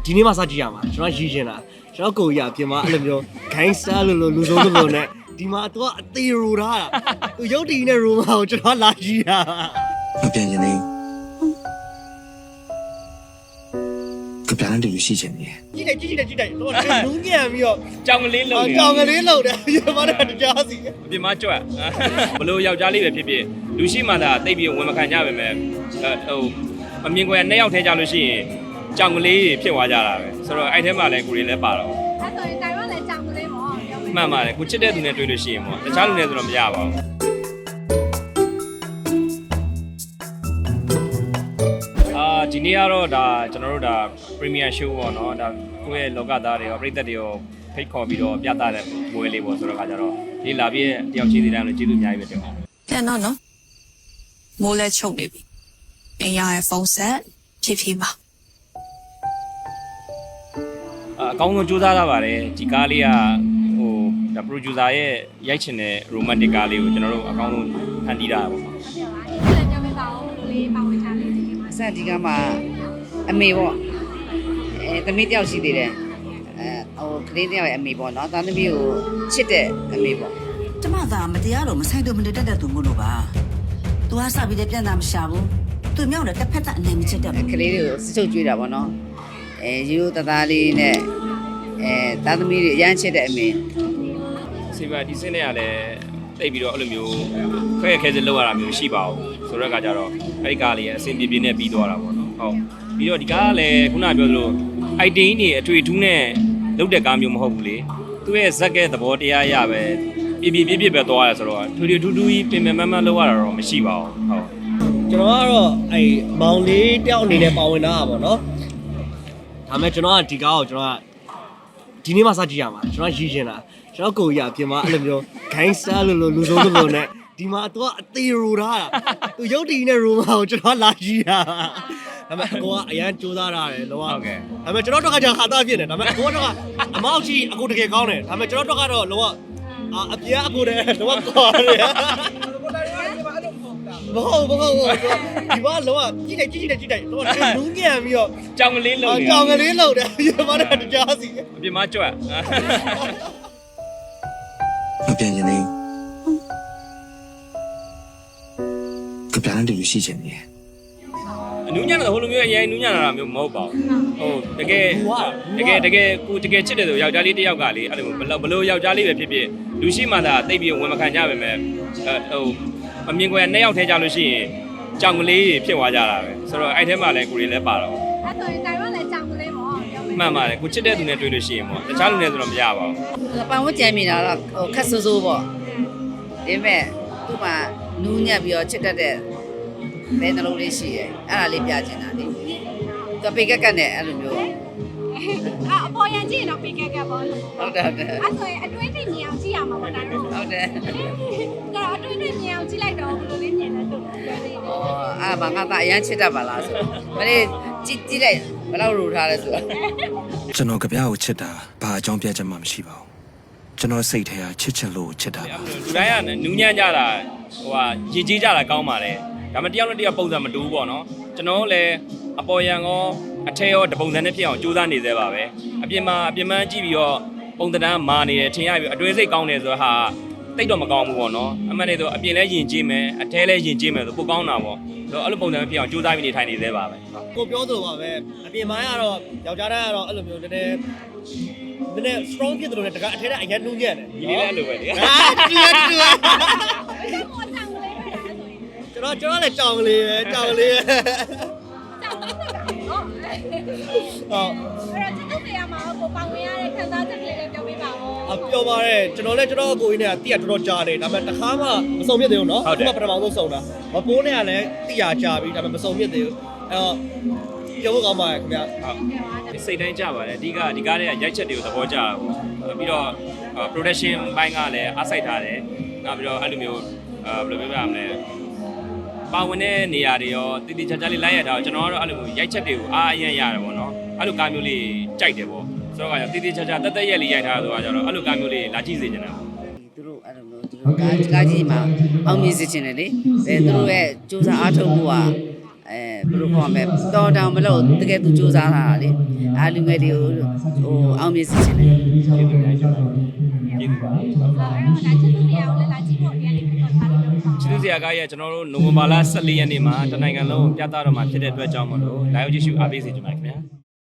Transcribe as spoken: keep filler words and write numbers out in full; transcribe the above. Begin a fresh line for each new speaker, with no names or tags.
ဒီနေ့မှစကြည့်ရမှာကျွန်တော်ရည်ရှင်တာကျွန်တော်ကိုကြီးအပြင်မှာအဲ့လိုမျိုး gangster လို့လို့လူဆုံးလို့နဲ့ဒီမှာသူကအသေးရူထားတာသူရုပ်တည်နေတဲ့ room ကိုကျွန်တော်လာကြည့်တာ
မပြန်ရင်လေကပြန်တဲ့လူရှိချင်တယ်
ကြည့်တယ်ကြည့်တယ်ကြည့်တယ်တော့နူးညံ့ပြီးတော့
ကြောင်ကလေးလုံနေ
ကြောင်ကလေးလုံတယ်ဒီမှာတော့တရားစီ
အပြင်မှာကြွက်ဘလို့ယောက်ျားလေးပဲဖြစ်ဖြစ်လူရှိမှသာတိတ်ပြီးဝင်မခံကြပါမယ်ဟိုအမြင်ကွယ်နှစ်ယောက်ထဲကြလို့ရှိရင်ကြောင်ကလေးဖြစ်သွားကြတာပဲဆိုတော့အဲ့ထဲမှာလည်းကိုရီလည်းပါတော့
အဲ့ဆိုရင်တိုင်ဝမ်လည်းကြောင်ကလေးပေါ့
မှန်ပါတယ်ကိုချစ်တဲ့သူနဲ့တွေ့လို့ရှိရင်ပေါ့တခြားလူနဲ့ဆိုတော့မရပါဘူးအာဒီနေ့ကတော့ဒါကျွန်တော်တို့ဒါ Premier Show ပေါ့နော်ဒါကိုယ့်ရဲ့လောကသားတွေရောပြည်သက်တွေရောဖိတ်ခေါ်ပြီးတော့ပြသတဲ့မွေးလေးပေါ့ဆိုတော့ခါကြတော့ဒီလာပြည့်တယောက်ချင်းစီတိုင်းလို့ကျေးဇူးအများကြီးပဲတင်ပါ
ပြန်တော့နော်မိုးလဲချုပ်နေပြီအင်ရရဲ့ဖုန်းဆက်ဖြည်းဖြည်းပါ
အကောင်းဆုံးစူးစမ်းလာပါတယ်ဒီကားလေးကဟိုဒါ producer ရဲ့ရိုက်ချင်တဲ့ romantic ကားလေးကိုကျွန်တော်တို့အကောင်းဆုံးဖန်တီးတာပေါ့နော်
အဲ့ဒါကြောင့်မပါဘူးလေးပါဝင်ချလေးဒီမှာ
အဆက်ဒီကမှာအမေပေါ့အဲသမီးတယောက်ရှိသေးတယ်အဲဟိုကလေးတယောက်ရဲ့အမေပေါ့နော်သားသမီးကိုချစ်တဲ့အမေပေါ့
ကျမသာမတရားတော့မဆိုင်တော့မတက်တဲ့သူမို့လို့ပါသူကစပြီးတဲ့ပြန်တာမရှာဘူးသူမြောက်တယ်တစ်ဖက်သက်အနေမချစ်တဲ့
ကလေးတွေကိုစချုပ်ကြွေးတာပေါ့နော်အဲရိုးရိုးသားသားလေးနဲ့အဲသားသမီးတွေအရန်ချစ်တဲ့အမေ
စီပါဒီစင်းတွေကလည်းတိတ်ပြီးတော့အဲ့လိုမျိုးခွဲခဲစလောက်ရတာမျိုးရှိပါဘူးဆိုတော့ကကြတော့အဲ့ဒီကားလေးအဆင်ပြေပြေနဲ့ပြီးသွားတာပေါ့နော်ဟုတ်ပြီးတော့ဒီကားကလည်းခုနပြောသလို item တွေအထွေထူးနဲ့လုပ်တဲ့ကားမျိုးမဟုတ်ဘူးလေသူ့ရဲ့ဇက်ကဲသဘောတရားရပဲပြပြပြပြပဲသွားရဆိုတော့ထွေထွေထူးထူးကြီးပင်ပင်မမလောက်ရတာတော့မရှိပါဘူးဟုတ်
ကျွန်တော်ကတော့အဲ့မောင်လေးတယောက်အနေနဲ့ပါဝင်တာပါနော်ဒါမဲ့ကျွန်တော်ကဒီကားကိုကျွန်တော်ကဒီနေ့မှစကြည့်ရမှာကျွန်တော်ရည်ရှင်တာကျွန်တော်ကိုကြီးအပြင်မှာအဲ့လိုမျိုး gangster လို့လို့လူဆုံးလို့နဲ့ဒီမှာသူကအသေးရူထားတာသူရုပ်တည်နေတဲ့ room ကိုကျွန်တော်လာကြည့်တာဒါမဲ့အကိုကအရန်ကြိုးစားရတယ်လောက
ဟုတ်ကဲ့
ဒါမဲ့ကျွန်တော်တို့ကကြာခါသားဖြစ်နေဒါမဲ့အကိုကတော့အမောက်ကြီးအကိုတကယ်ကောင်းတယ်ဒါမဲ့ကျွန်တော်တို့ကတော့လောကအပြားအကိုတည်းလောကကွာတယ်ဘောဘောဘောဒီဘာလောကကြည့်တယ်ကြည့်တယ်ကြည့်တယ်တော့နူးညံ့ပြီးတော့
ကြောင်ကလေးလုံနေ
ကြောင်ကလေးလုံတယ်ဒီမှာတော့တရားစီ
အပြင်မှာကြွက်
မပြန်ရင်လေကပြန်တဲ့လူရှိချင်တယ်
အနူးညံ့တဲ့ဟိုလိုမျိုးအရင်နူးညံ့လာတာမျိုးမဟုတ်ပါဘူးဟုတ်တကယ်တကယ်တကယ်ကိုတကယ်ချစ်တယ်ဆိုယောက်ျားလေးတစ်ယောက်ကလေအဲ့လိုဘလို့ဘလို့ယောက်ျားလေးပဲဖြစ်ဖြစ်လူရှိမှသာတိတ်ပြီးဝင်မခံကြပါမယ်ဟိုအမြင်ကွယ်နှစ်ယောက်ထဲကြလို့ရှိရင်ကြောင်ကလေးဖြစ်သွားကြတာပဲဆိုတော့အဲ့ထဲမှာလည်းကိုရီလည်းပါတော့
အဲ့ဆိုရင်တိုင်ဝမ်လည်းကြောင်ကလေးပေါ့
မှန်ပါတယ်ကိုချစ်တဲ့သူနဲ့တွေ့လို့ရှိရင်ပေါ့တခြားလူနဲ့ဆိုတော့မရပါဘူး
ပန်ဝတ်ကြံမိတာတော့ဟိုခက်ဆိုးဆိုးပေါ့ဒါပေမဲ့သူ့မှာနူးညံ့ပြီးတော့ချစ်တတ်တဲ့ဘယ်နှလုံးလေးရှိရဲအဲ့ဒါလေးပြချင်တာလေသူပေကက်ကက်နဲ့အဲ့လိုမျိုး
အာအပေါ်ရန်ကြည့်ရင်တော့ပေကက်ကက်ပေါ့
ဟုတ်တယ်ဟုတ်တယ်
အဲ့ဆိုရင်အတွင်းထိမြင်အောင်ကြည့်ရမှာပေါ့တိုင်ဝမ်
ဟုတ်တယ်
ဒါအတွင်းထိမြင်အောင်ကြည့်လိုက်တော့ဘယ်လိုလေးမြင်လဲသူ့ပြောသေးတယ်
ဩအာဘာငါသားအရန်ချစ်တတ်ပါလားဆိုမလေးကြည့်ကြည့်လိုက်ဘယ်လောက်ရူထားလဲဆိုတော့
ကျွန်တော်ကြပြားကိုချစ်တာဘာအကြောင်းပြချက်မှမရှိပါဘူးကျွန်တော်စိတ်ထဲကချစ်ချင်လို့ချစ်တာပါ
လူတိုင်းကနူးညံ့ကြတာဟိုဟာရည်ကြီးကြတာကောင်းပါလေဒါမှတယောက်နဲ့တယောက်ပုံစံမတူဘူးပေါ့နော်ကျွန်တော်လည်းအပေါ်ရန်ရောအထက်ရောတပုံစံနဲ့ဖြစ်အောင်ကြိုးစားနေသေးပါပဲအပြင်မှာအပြင်မှန်းကြည့်ပြီးတော့ပုံသဏ္ဍာန်မာနေတယ်ထင်ရပြီးအတွင်းစိတ်ကောင်းတယ်ဆိုတော့ဟာတိတ်တော့မကောင်းဘူးပေါ့နော်အမှန်တည်းဆိုအပြင်လဲယဉ်ကျေးမယ်အထဲလဲယဉ်ကျေးမယ်ဆိုပိုကောင်းတာပေါ့ဆိုတော့အဲ့လိုပုံစံဖြစ်အောင်ကြိုးစားပြီးနေထိုင်နေသေးပါပဲ
ကိုပြောသလိုပါပဲအပြင်ပိုင်းကတော့ယောက်ျားတိုင်းကတော့အဲ့လိုမျိုးနည်းနည်းနည်းနည်း strong ဖြစ်တယ်လို့လည်းတကအထဲကအရင်နူးညံ့တယ်
ဒီလေးလည်းအဲ့လိုပဲလေ
ဟာတူတူကျွန်တော်ကျွန်တော်လည်းကြောင်ကလေးပဲကြောင်ကလေးပဲ
ဟုတ်အဲ့တော့ကျေးဇူးတရားမှာကိုပေါဝင်ရတဲ့ခံစားချက်ကလေးလည်းပြောပြပါဦး
အပြောပါတယ်ကျွန်တော်လည်းကျွန်တော်အကိုကြီးနဲ့တိရတော်တော်ကြားတယ်ဒါပေမဲ့တစ်ခါမှမစုံမြစ်သေးဘူးเนาะအခုမှပထမဆုံးစုံတာမပိုးနဲ့ကလည်းတိရကြားပြီးဒါပေမဲ့မစုံမြစ်သေးဘူးအဲ့တော့ပြောဖို့ကောင်းပါတယ်ခင်ဗျာ
ဟုတ်စိတ်တိုင်းကြပါတယ်အဓိကဒီကားတွေကရိုက်ချက်တွေကိုသဘောကျတာပေါ့ပြီးတော့ production ဘိုင်းကလည်းအားစိုက်ထားတယ်နောက်ပြီးတော့အဲ့လိုမျိုးဘယ်လိုပြောပြရမလဲပါဝင်တဲ့နေရာတွေရောတည်တည်ချာချာလေးလိုက်ရတာကျွန်တော်ကတော့အဲ့လိုရိုက်ချက်တွေကိုအားအရင်ရတယ်ပေါ့နော်အဲ့လိုကားမျိုးလေးကြိုက်တယ်ပေါ့ဆိုတော့တည်တည်ချာချာတက်တက်ရက်လေးရိုက်ထားဆိုတာကျတော့အဲ့လိုကားမျိုးလေးလာကြည့်စေချင်တယ်ပေါ့
သူတို့အဲ့လိုမျိုးသူတို့ကားကားကြီးမှာအောင်မြင်စေချင်တယ်လေအဲသူတို့ရဲ့စူးစမ်းအားထုတ်မှုကအဲဘယ်လိုခေါ်မလဲတော်တောင်မလို့တကယ်သူစူးစမ်းလာတာလေအာလူငယ်တွေကိုဟိုအောင်မြင်စေချင်တယ်
ကျေးဇူးများရှင်ကျေးဇူးပါ
အဲ့တော့ဒါချစ်သူတရားကိုလည်းလာကြည့်ဖို့ပြန်နေပြီးတော့ထားလို့ပြောပါ
ချစ်သူစရာကားရဲ့ကျွန်တော်တို့နိုဝင်ဘာလ ၁၄ ရက်နေ့မှာတနိုင်ငံလုံးပြသတော့မှာဖြစ်တဲ့အတွက်ကြောင့်မလို့ live ကြည့်ရှုအားပေးစေချင်ပါတယ်ခင်ဗျာ